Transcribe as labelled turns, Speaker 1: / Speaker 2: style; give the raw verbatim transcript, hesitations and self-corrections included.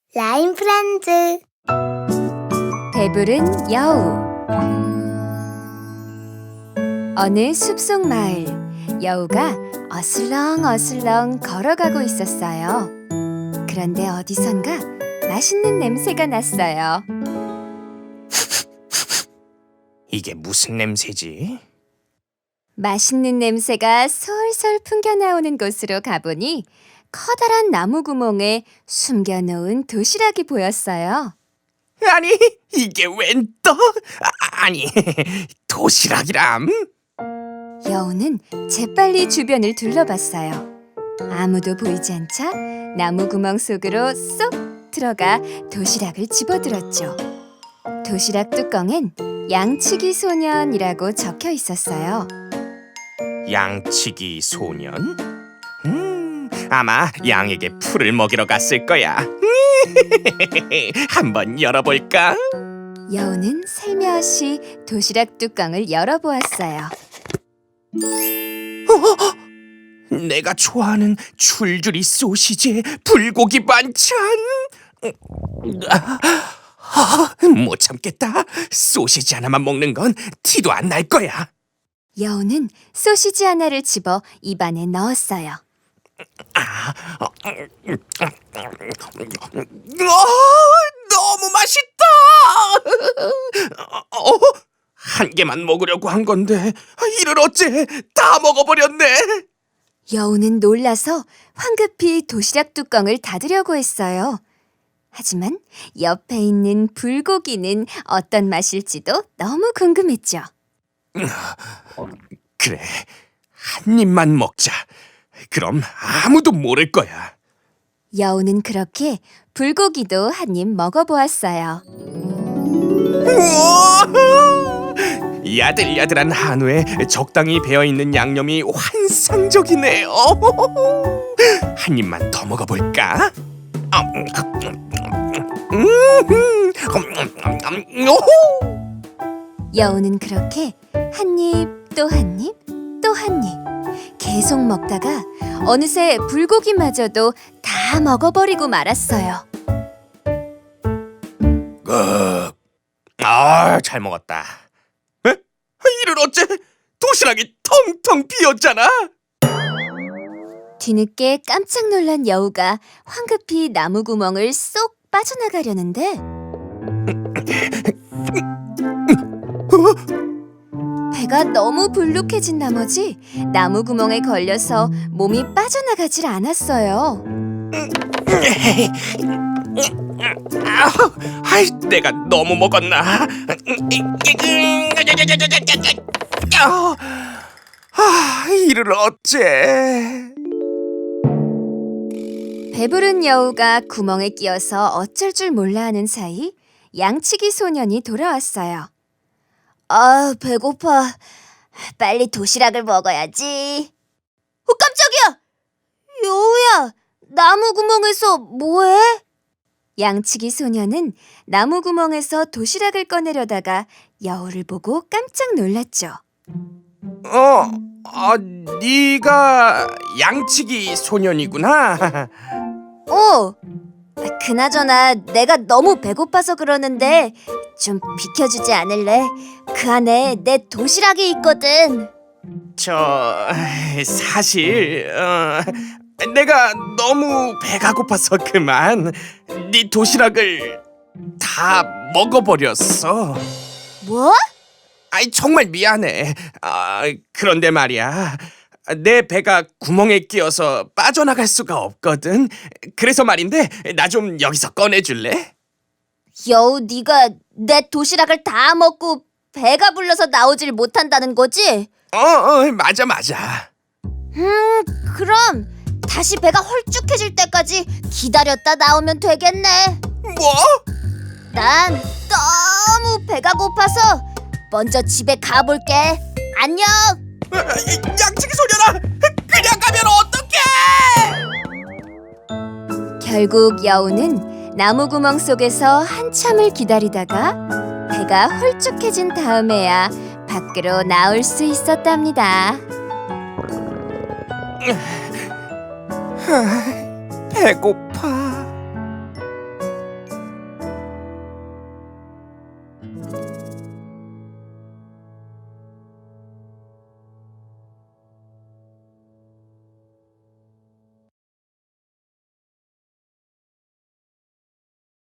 Speaker 1: 라임 프렌즈.
Speaker 2: 배부른 여우. 어느 숲속 마을, 여우가 어슬렁어슬렁 걸어가고 있었어요. 그런데 어디선가 맛있는 냄새가 났어요.
Speaker 3: 이게 무슨 냄새지?
Speaker 2: 맛있는 냄새가 솔솔 풍겨나오는 곳으로 가보니 커다란 나무 구멍에 숨겨놓은 도시락이 보였어요.
Speaker 3: 아니, 이게 웬 떡? 아, 아니, 도시락이람?
Speaker 2: 여우는 재빨리 주변을 둘러봤어요. 아무도 보이지 않자 나무 구멍 속으로 쏙 들어가 도시락을 집어들었죠. 도시락 뚜껑엔 양치기 소년이라고 적혀 있었어요.
Speaker 3: 양치기 소년? 음, 아마 양에게 풀을 먹이러 갔을 거야. 한번 열어볼까?
Speaker 2: 여우는 살며시 도시락 뚜껑을 열어보았어요.
Speaker 3: 어? 내가 좋아하는 줄줄이 소시지에 불고기 반찬. 아, 아, 못 참겠다. 소시지 하나만 먹는 건 티도 안 날 거야.
Speaker 2: 여우는 소시지 하나를 집어 입안에 넣었어요.
Speaker 3: 아, 어, 너무 맛있다. 어, 한 개만 먹으려고 한 건데 이를 어째 다 먹어버렸네.
Speaker 2: 여우는 놀라서 황급히 도시락 뚜껑을 닫으려고 했어요. 하지만 옆에 있는 불고기는 어떤 맛일지도 너무 궁금했죠.
Speaker 3: 그래, 한 입만 먹자. 그럼 아무도 모를 거야.
Speaker 2: 여우는 그렇게 불고기도 한 입 먹어보았어요.
Speaker 3: 우와! 야들야들한 한우에 적당히 배어있는 양념이 환상적이네요. 한 입만 더 먹어볼까?
Speaker 2: 여우는 그렇게 한 입, 또 한 입, 또 한 입 계속 먹다가 어느새 불고기마저도 다 먹어버리고 말았어요.
Speaker 3: 어, 아, 잘 먹었다. 에? 이를 어째 도시락이 텅텅 비었잖아.
Speaker 2: 뒤늦게 깜짝 놀란 여우가 황급히 나무 구멍을 쏙 빠져나가려는데 배가 너무 불룩해진 나머지 나무 구멍에 걸려서 몸이 빠져나가질 않았어요.
Speaker 3: 아이, 내가 너무 먹었나? 아, 이를 어째?
Speaker 2: 배부른 여우가 구멍에 끼어서 어쩔 줄 몰라 하는 사이 양치기 소년이 돌아왔어요. 아, 배고파. 빨리 도시락을 먹어야지. 어, 깜짝이야! 여우야, 나무 구멍에서 뭐해? 양치기 소년은 나무 구멍에서 도시락을 꺼내려다가 여우를 보고 깜짝 놀랐죠.
Speaker 3: 어, 아, 네가 양치기 소년이구나.
Speaker 2: 어, 그나저나 내가 너무 배고파서 그러는데 좀 비켜주지 않을래? 그 안에 내 도시락이 있거든.
Speaker 3: 저 사실 어, 내가 너무 배가 고파서 그만 네 도시락을 다 먹어버렸어.
Speaker 2: 뭐?
Speaker 3: 아이, 정말 미안해. 아, 그런데 말이야, 내 배가 구멍에 끼어서 빠져나갈 수가 없거든. 그래서 말인데 나 좀 여기서 꺼내줄래?
Speaker 2: 여우, 네가 내 도시락을 다 먹고 배가 불러서 나오질 못한다는 거지?
Speaker 3: 어, 어, 맞아 맞아.
Speaker 2: 음, 그럼 다시 배가 헐쭉해질 때까지 기다렸다 나오면 되겠네.
Speaker 3: 뭐?
Speaker 2: 난 너무 배가 고파서 먼저 집에 가볼게. 안녕.
Speaker 3: 양치기 소년아, 그냥 가면 어떡해?
Speaker 2: 결국 여우는 나무 구멍 속에서 한참을 기다리다가 배가 홀쭉해진 다음에야 밖으로 나올 수 있었답니다.
Speaker 3: 배고파.